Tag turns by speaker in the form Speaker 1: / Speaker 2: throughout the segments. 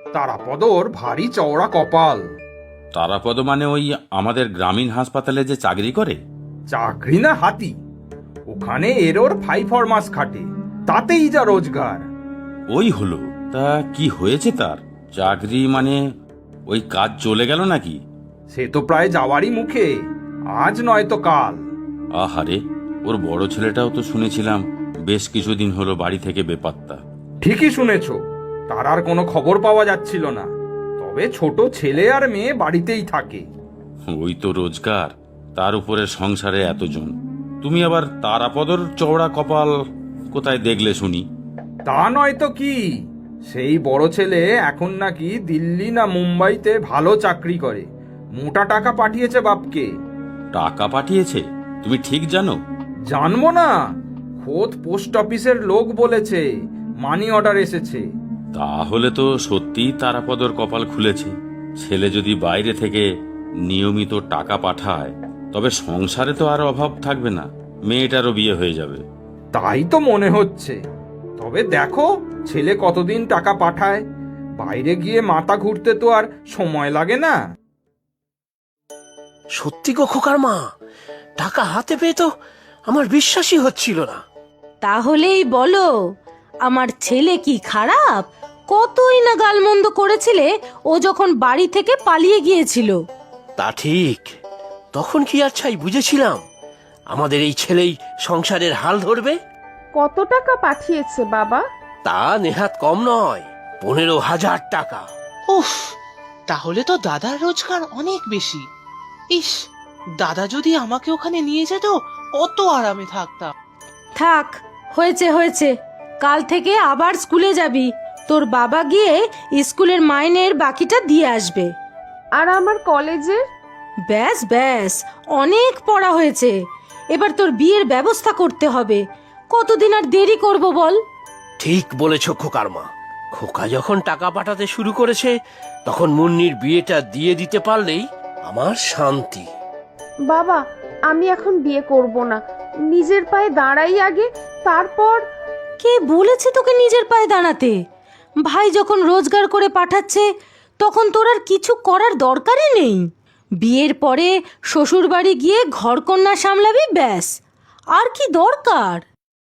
Speaker 1: তারাপদর ভারী চওড়া কপাল।
Speaker 2: তারাপদ মানে ওই আমাদের গ্রামীণ হাসপাতালে যে চাকরি করে?
Speaker 1: চাকরি না হাতি, ওখানে এরোর 5 মাস খাটে, তাতেই যা রোজগার।
Speaker 2: ওই হলো, তা কি হয়েছে তার? চাকরি মানে ওই কাজ চলে গেল নাকি?
Speaker 1: সে তো প্রায় যাওয়ারই মুখে, আজ নয় তো কাল।
Speaker 2: আহারে, ওর বড় ছেলেটাও তো শুনেছিলাম বেশ কিছুদিন হলো বাড়ি থেকে বেপাত্তা।
Speaker 1: ঠিকই শুনেছ, তার আর কোনো খবর পাওয়া যাচ্ছিল না। তবে ছোট ছেলে আর মেয়ে বাড়িতেই থাকে।
Speaker 2: ওই তো রোজগার, তার উপরে সংসারে এতজন। তুমি আবার তারাপদর চওড়া কপাল কোথায় দেখলে শুনি?
Speaker 1: তা নয় তো কি, সেই বড় ছেলে এখন নাকি দিল্লি না মুম্বাইতে ভালো চাকরি করে, মোটা টাকা পাঠিয়েছে বাপকে।
Speaker 2: টাকা পাঠিয়েছে? তুমি ঠিক জানো?
Speaker 1: জানবো না, খোদ পোস্ট অফিসের লোক বলেছে মানি অর্ডার এসেছে।
Speaker 2: তাহলে তো সত্যিই তারাপদর কপাল খুলেছে। ছেলে যদি বাইরে থেকে নিয়মিত টাকা পাঠায় তবে সংসারে তো আর অভাব থাকবে না, মেয়েটারও বিয়ে হয়ে যাবে।
Speaker 1: তাই তো মনে হচ্ছে। তবে দেখো ছেলে কতদিন টাকা পাঠায়, বাইরে গিয়ে মাথা ঘুরতে তো আর সময় লাগে না।
Speaker 3: সত্যি গো খোকার মা, টাকা হাতে পেয়ে তো আমার বিশ্বাসই হচ্ছিল না।
Speaker 4: তাহলেই বলো, আমার ছেলে কি খারাপ? কতই না গালমন্দ করেছিলে ও যখন বাড়ি থেকে পালিয়ে গিয়েছিল।
Speaker 3: তা ঠিক, তখন কি আর ছাই বুঝেছিলাম আমাদের এই ছেলেই সংসারের হাল ধরবে?
Speaker 5: কত টাকা পাঠিয়েছে বাবা?
Speaker 3: তা নেহাত কম নয়, 15,000 টাকা।
Speaker 6: উফ, তাহলে তো দাদার রোজগার অনেক বেশি। ইস, দাদা যদি আমাকে ওখানে নিয়ে যেত কত আরামে থাকতাম।
Speaker 4: থাক, হয়েছে হয়েছে, কাল থেকে আবার স্কুলে যাবি। তোর বাবা গিয়ে স্কুলের মাইনের বাকিটা দিয়ে আসবে।
Speaker 5: আর আমার কলেজের?
Speaker 4: ব্যাস ব্যাস, অনেক পড়া হয়েছে, এবার তোর বিয়ের ব্যবস্থা করতে হবে। কতদিন আর দেরি করব বল?
Speaker 3: ঠিক বলেছ খোকার মা, খোকা যখন টাকা পাঠাতে শুরু করেছে তখন মুন্নির বিয়েটা দিয়ে দিতে পারলেই আমার শান্তি।
Speaker 5: বাবা, আমি এখন বিয়ে করব না, নিজের পায়ে দাঁড়াই আগে, তারপর।
Speaker 4: কে বলেছে তোকে নিজের পায়ে দাঁড়াতে? ভাই যখন রোজগার করে পাঠাচ্ছে তখন তোর আর কিছু করার দরকারই নেই। বিয়ের পরে শ্বশুর বাড়ি গিয়ে ঘরকন্যা সামলাবি, ব্যাস। আর কি দরকার?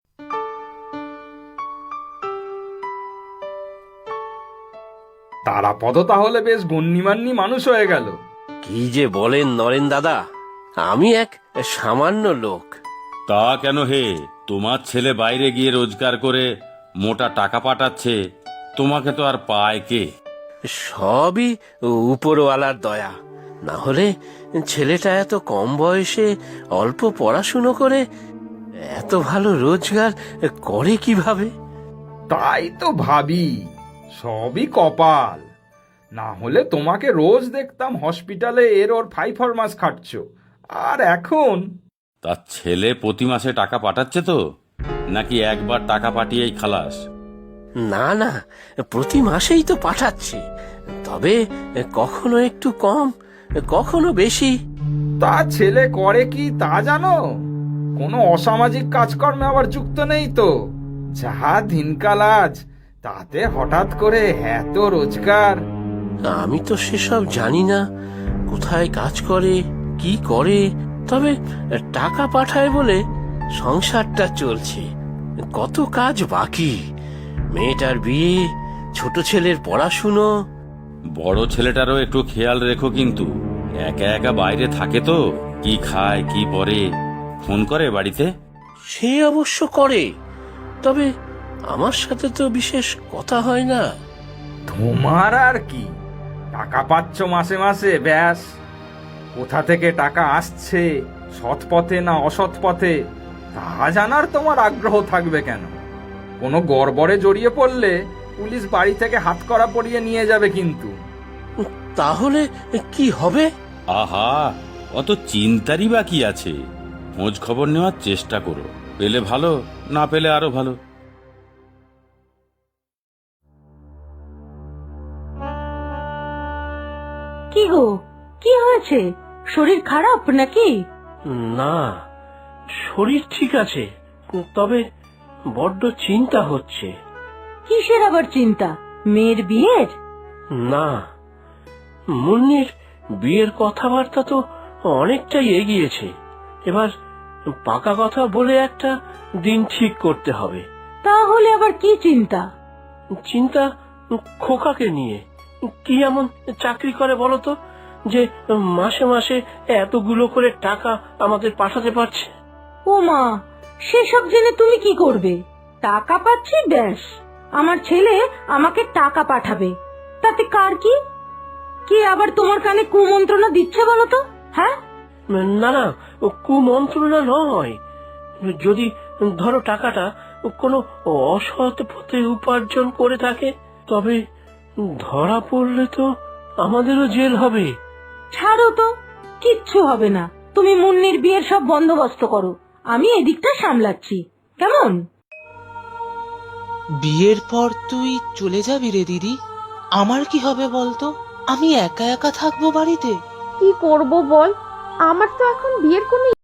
Speaker 1: তারাপদ তাহলে বেশ গণ্যমান্য মানুষ হয়ে গেল।
Speaker 3: কি যে বলেন নরেন দাদা, আমি এক সামান্য লোক।
Speaker 2: তা কেন হে? তোমার ছেলে বাইরে গিয়ে রোজগার করে মোটা টাকা পাঠাচ্ছে, তোমাকে তো আর পায় কে?
Speaker 3: সবই উপরওয়ালার দয়া, না হলে ছেলেটা এত কম বয়সে অল্প পড়াশুনো করে এত ভালো রোজগার করে কিভাবে?
Speaker 1: তাই তো ভাবি, সবই কপাল। না হলে তোমাকে রোজ দেখতাম হসপিটালে এর ওর 5 মাস খাটছ, আর এখন।
Speaker 2: তার ছেলে প্রতি মাসে টাকা পাঠাচ্ছে তো, নাকি একবার টাকা পাঠিয়েই খালাস?
Speaker 3: না না, প্রতি মাসেই তো পাঠাচ্ছি, তবে কখনো একটু কম, কখনো বেশি।
Speaker 1: তা ছেলে করে কি তা জানো? কোনো অসামাজিক কাজকর্মে আবার যুক্ত নেই তো? যা দিনকাল আজ, তাতে হঠাৎ করে এত রোজগার।
Speaker 3: আমি তো সেসব জানি না, কোথায় কাজ করে কি করে, তবে টাকা পাঠায় বলে সংসারটা চলছে। কত কাজ বাকি, মেয়েটার বিয়ে, ছোট ছেলের পড়াশুনো।
Speaker 2: বড় ছেলেটারও একটু খেয়াল রেখো কিন্তু, একা একা বাইরে থাকে তো, কি খায় কি পরে। ফোন করে বাড়িতে?
Speaker 3: সে অবশ্য করে, তবে আমার সাথে তো বিশেষ কথা হয় না।
Speaker 1: তোমার আর কি, টাকা পাচ্ছ মাসে মাসে, ব্যাস। কোথা থেকে টাকা আসছে, সৎ পথে না অসৎ পথে, তা জানার তোমার আগ্রহ থাকবে কেন? কোনো গড়বড়ে জড়িয়ে পড়লে পুলিশ বাড়ি থেকে হাতকড়া পরিয়ে নিয়ে যাবে কিন্তু।
Speaker 3: তাহলে কি হবে?
Speaker 2: আহা, অত চিন্তারই বা কি আছে? খোঁজ খবর নেওয়ার চেষ্টা করো, পেলে ভালো, না পেলে আরো ভালো।
Speaker 4: কি গো, কি হয়েছে? শরীর খারাপ নাকি?
Speaker 3: না, শরীর ঠিক আছে, তবে বড্ড চিন্তা হচ্ছে।
Speaker 4: কিসের আবার চিন্তা? মেয়ের বিয়ের?
Speaker 3: না, মুন্নির বিয়ের কথাবার্তা তো অনেকটাই এগিয়েছে। এবার পাকা কথা বলে একটা দিন ঠিক করতে হবে।
Speaker 4: তাহলে আবার কি চিন্তা?
Speaker 3: চিন্তা খোকাকে নিয়ে। কি এমন চাকরি করে বলো তো যে মাসে মাসে এতগুলো করে টাকা আমাদের পাঠাতে পারছে?
Speaker 4: ও মা, সেসব জেনে তুমি কি করবে? টাকা পাচ্ছি ব্যাস, আমার ছেলে আমাকে টাকা পাঠাবে, তাতে কার কি? কে আবার তোমার কানে কুমন্ত্রণা দিচ্ছে বলো তো? হ্যাঁ,
Speaker 3: না না, কুমন্ত্রণা নয়। যদি ধরো টাকাটা কোনো অসৎ পথে উপার্জন করে থাকে, তবে ধরা পড়লে তো আমাদেরও জেল হবে।
Speaker 4: ছাড়ো তো, কিচ্ছু হবে না। তুমি মুন্নির বিয়ের সব বন্দোবস্ত করো, আমি এদিকটা সামলাচ্ছি, কেমন?
Speaker 6: বিয়ের পর তুই চলে যাবি রে দিদি, আমার কি হবে বলতো? আমি একা একা থাকবো বাড়িতে।
Speaker 5: কি করব বল, আমার তো এখন বিয়ের কোনো